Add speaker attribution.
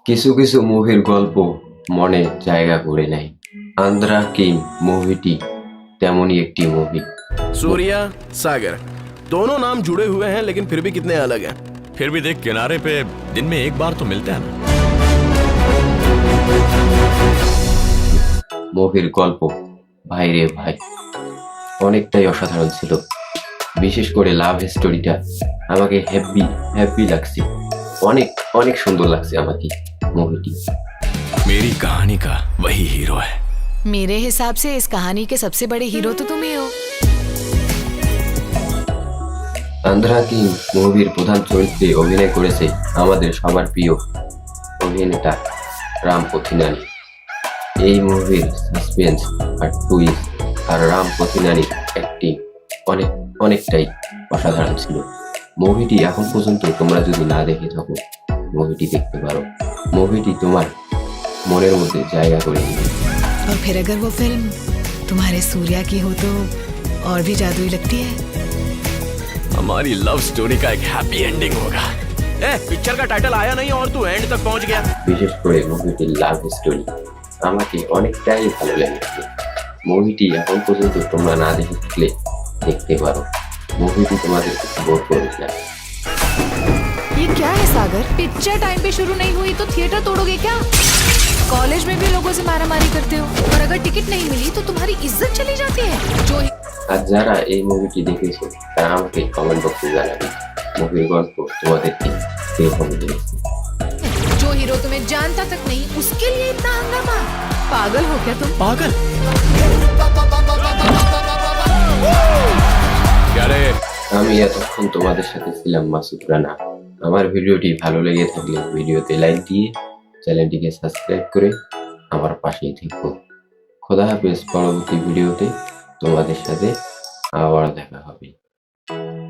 Speaker 1: কিছু কিছু মুভির গল্প মনে জায়গা করে নেয়। আন্ধ্রা কিং মুভিটি তেমনই একটি মুভি।
Speaker 2: सूर्या सागर दोनों नाम जुड़े हुए हैं लेकिन फिर भी कितने अलग हैं।
Speaker 3: फिर भी देख, किनारे पे दिन में एक बार तो मिलते हैं ना।
Speaker 1: মুভির গল্প ভাই রে ভাই অনেকটাই অসাধারণ ছিল। বিশেষ করে লাভ স্টোরিটা আমাকে হ্যাপি লাগছে। অনেক অনেক সুন্দর লাগছে আমাকে মুভিটি।
Speaker 3: मेरी कहानी का वही हीरो है।
Speaker 4: मेरे हिसाब से इस कहानी के सबसे बड़े हीरो तो तुम ही हो।
Speaker 1: আন্ধ্রা কিং মুভির প্রধান চরিত্রে অভিনয় করেছে আমাদের সবার প্রিয় অভিনেতা রাম পথিনানি। এই মুভির সাসপেন্স আর টুইস্ট আর রাম পথিনানির অ্যাক্টিং অনেকটাই অসাধারণ ছিল। মুভিটি এখন পর্যন্ত তোমরা যদি না দেখে থাকো মুভিটি দেখতে পারো। মুভিটি তোমার মনের মধ্যে জায়গা করে নেবে।
Speaker 4: और फिर अगर वो फिल्म तुम्हारे सूर्या की हो तो और भी जादुई लगती है।
Speaker 3: हमारी लव स्टोरी का एक हैप्पी एंडिंग होगा।
Speaker 2: पिक्चर का टाइटल आया नहीं और तू एंड तक पहुंच गया।
Speaker 1: বিশেষ করে মুভিটির লাভ স্টোরি আমাকে অনেকটাই ভালো লেগেছে। মুভিটি এখন পর্যন্ত তোমরা না দেখে থাকলে দেখতে পারো। মুভিটি তোমাদের বোর করবে না।
Speaker 4: ये क्या है सागर? पिक्चर टाइम पे शुरू नहीं हुई तो थिएटर तोड़ोगे क्या? कॉलेज में भी लोगों से मारामारी करते हो और अगर टिकट नहीं मिली तो तुम्हारी इज्जत चली जाती है। जो
Speaker 1: আর যারা এই মুভিটি দেখেছো তারা আমাকে কমেন্ট বক্সে জানাবে মুভির গল্প তোমাদেরকে কিরকম লেগেছে।
Speaker 4: जो हीरो तुम्हें जानता तक नहीं उसके लिए इतना हंगामा। पागल हो क्या तुम?
Speaker 3: पागल क्या रे?
Speaker 1: আমি এতক্ষণ তোমাদের সাথে ছিলাম মাসুদ রানা। আমার ভিডিওটি ভালো লেগে থাকলে ভিডিওতে লাইক দিয়ে চ্যানেলটিকে সাবস্ক্রাইব করে আমার পাশেই থেকো। খোদা হাফেজ। পরবর্তী ভিডিওতে তোমাদের সাথে আবার দেখা হবে।